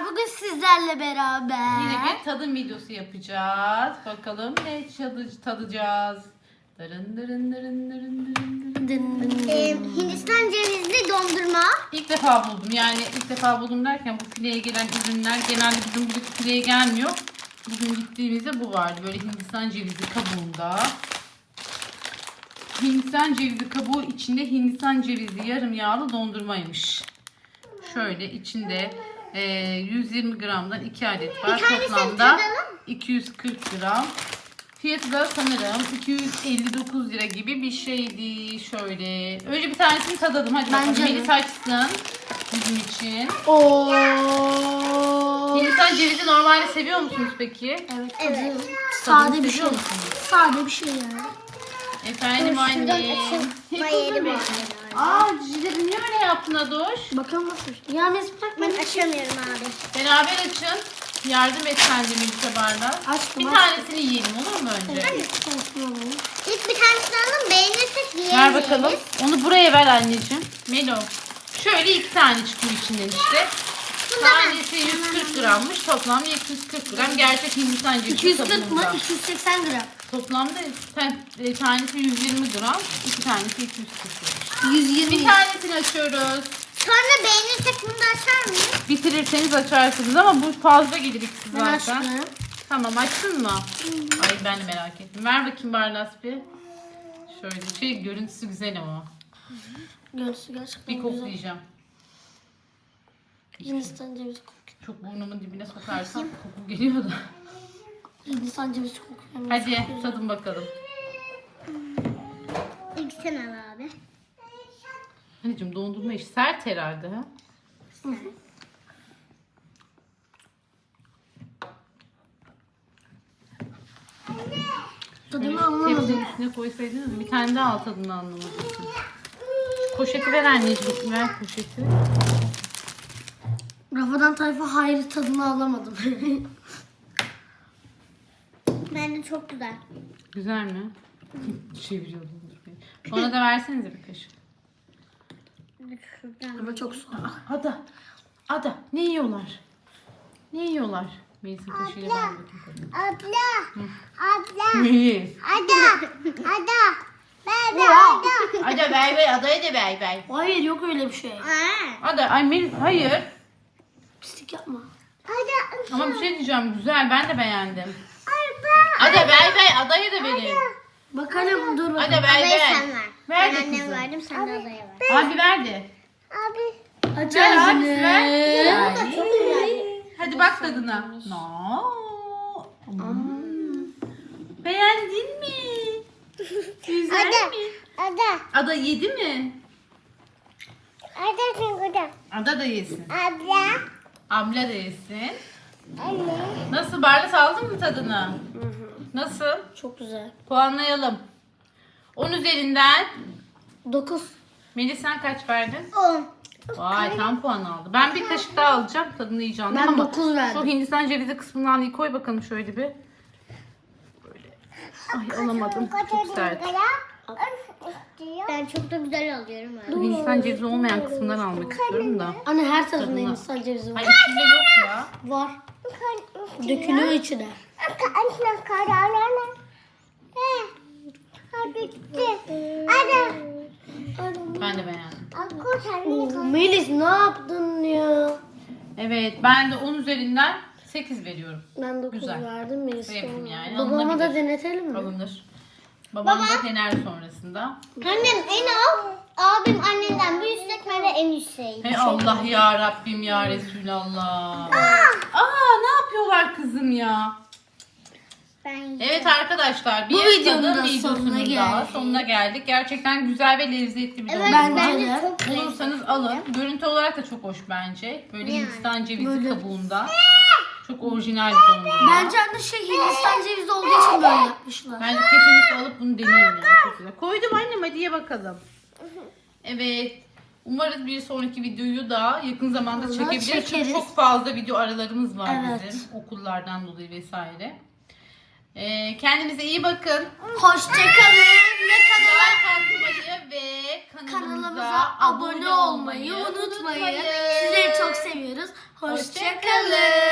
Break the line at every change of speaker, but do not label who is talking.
bugün sizlerle beraber.
Yine bir tadım videosu yapacağız. Bakalım ne tadacağız. Dırın dırın dırın dırın dırın.
Hindistan cevizli dondurma.
İlk defa buldum. Yani ilk defa buldum derken bu fileye gelen ürünler genelde bizim buradaki fileye gelmiyor. Bugün gittiğimizde bu vardı. Böyle Hindistan cevizi kabuğunda. Hindistan cevizi kabuğu içinde Hindistan cevizi yarım yağlı dondurmaymış. Şöyle içinde 120 gramdan 2 adet var. Toplamda 240 gram. Fiyatı da sanırım 259 lira gibi bir şeydi. Şöyle. Önce bir tanesini tadalım. Hadi bakalım. Melis açsın bizim için. Hindistan cevizi normalde seviyor musunuz peki?
Evet.
Tadını
Sade bir şey.
seviyor musunuz?
Sade bir şey yani.
Efendim anne. Aa cileri niye öyle yaptın Adoş?
Bakalım nasıl? Ya Mesut
Ben açamıyorum abi.
Beraber açın. Yardım et sen de Melis'e bardak.
Açtım,
Bir
açtım.
tanesini yiyelim olur mu önce?
İlk bir tanesini alalım, beğenirsek yiyelim.
Ver bakalım. Onu buraya ver anneciğim. Melo. Şöyle 2 tane çıkıyor içinden işte. Tanesi 140 grammış. Toplam 240 gram. Gerçek Hindistan cevizi
240 mı?
kabuğunda.
280 gram.
Toplamda tanesi 120 gram. 2 tanesi 240 gram.
120.
Bir tanesini açıyoruz.
Sonra beğenirsek bunu da açar mıyız?
Bitirirseniz açarsınız ama bu fazla gelir ikisi
Ben
zaten.
açtım.
Tamam açtın mı? Ay ben de merak ettim. Ver bakayım Barlas bir. Şöyle görüntüsü güzel ama.
Görüntüsü gerçekten
Bir
güzel.
koklayacağım.
Hindistan cevizi kokuyor.
Çok burnumun dibine sokarsam koku geliyor da.
Hindistan cevizi kokuyor.
Hadi tadın bakalım.
İlk sen al abi.
Anneciğim dondurma iş sert herhalde ha.
Tadını anlamadım.
Tepsinin üstüne koysaydınız bir tane daha al tadını anlamadım. Poşeti ver anneciğim. Ver poşeti.
Rafadan tayfa hayır tadını alamadım.
Bence çok güzel.
Güzel mi? Çeviriyorum. Ona da versenize bir kaşık.
Şuradan.
Ama çok soğuk.
Ada. Ne yiyorlar? Ne yiyorlar? Melis'in kaşığıyla ben bakayım.
Abla. Abla.
Melis.
Ada. Ada. Bebe ada.
Ada ver. Adaya da ver.
Hayır yok öyle bir şey.
Ada. Ay Melis. Hayır.
Pislik yapma.
Ada.
Ama bir şey diyeceğim. Güzel. Ben de beğendim.
Abla.
Ada ver. Adaya da verin.
Bakalım dur bakalım.
Ada ver.
Adayı sen ver.
Ver
Ben
de
anneme
kızım.
verdim, sen de adaya ver.
Abi ver de.
Abi.
Aç
Ver
ağzını.
abisi ver.
Bu da çok güzel.
Hadi bak tadına. No. Beğendin mi? Güzel
Ada.
mi?
Ada.
Ada yedi mi?
Ada sen burada.
Ada da yesin.
Abla.
Abla da yesin.
Anne.
Nasıl Barlas aldın mı tadını? Nasıl?
Çok güzel.
Puanlayalım. 10 üzerinden
9.
Melis sen kaç verdin?
10.
Vay tam puan aldı. Ben bir kaşık daha alacağım. Tadını yiyeceğim.
Ben
ama
9 verdim.
şu Hindistan cevizi kısmından iyi koy bakalım şöyle bir. Böyle. Ay alamadım. Çok sert.
Ben çok da güzel alıyorum abi.
Şu Hindistan cevizi olmayan kısmından almak istiyorum da.
Anne her tarafında
Tadına.
Hindistan cevizi
Ay
var.
içinde yok ya.
Var. Dökülüyor içine.
Ben de beğendim.
Melis ne yaptın ya?
Evet ben de 10 üzerinden 8 veriyorum.
Ben 9
Güzel.
verdim Melis.
Sevdim yani,
Babama da
alınabilir.
denetelim mi?
Alınır. Babam da dener sonrasında.
Annem en al. Abim annenden bir yüksek, ben de en yükseğim.
Hey Allah ya Rabbim ya Resulallah. Ne yapıyorlar kızım ya?
Ben
Evet arkadaşlar bir
Bu videonun
tadım
da
videosunun
sonuna
daha
geldik.
sonuna geldik. Gerçekten güzel ve lezzetli bir
Evet,
dondurma.
Bence
bence
de.
çok lezzetli.
Bulursanız alın. Görüntü olarak da çok hoş bence. Böyle
Yani.
Hindistan cevizi
Böyle.
kabuğunda. Çok orijinal bir dondurma.
Bence anne Hindistan cevizi olduğu için böyle yapmışlar.
Bence kesinlikle alıp bunu deneyin yani. Çok güzel. Koydum annem hadi ye bakalım. Evet. Umarız bir sonraki videoyu da yakın zamanda
Vallahi
çekebiliriz. Çünkü
çekeriz.
çok fazla video aralarımız var
Evet.
bizim. Okullardan dolayı vesaire. Kendinize iyi bakın.
Hoşçakalın ve kanala
Like atmayı ve kanalımıza
kanalımıza abone olmayı unutmayın. Sizleri çok seviyoruz. Hoşçakalın.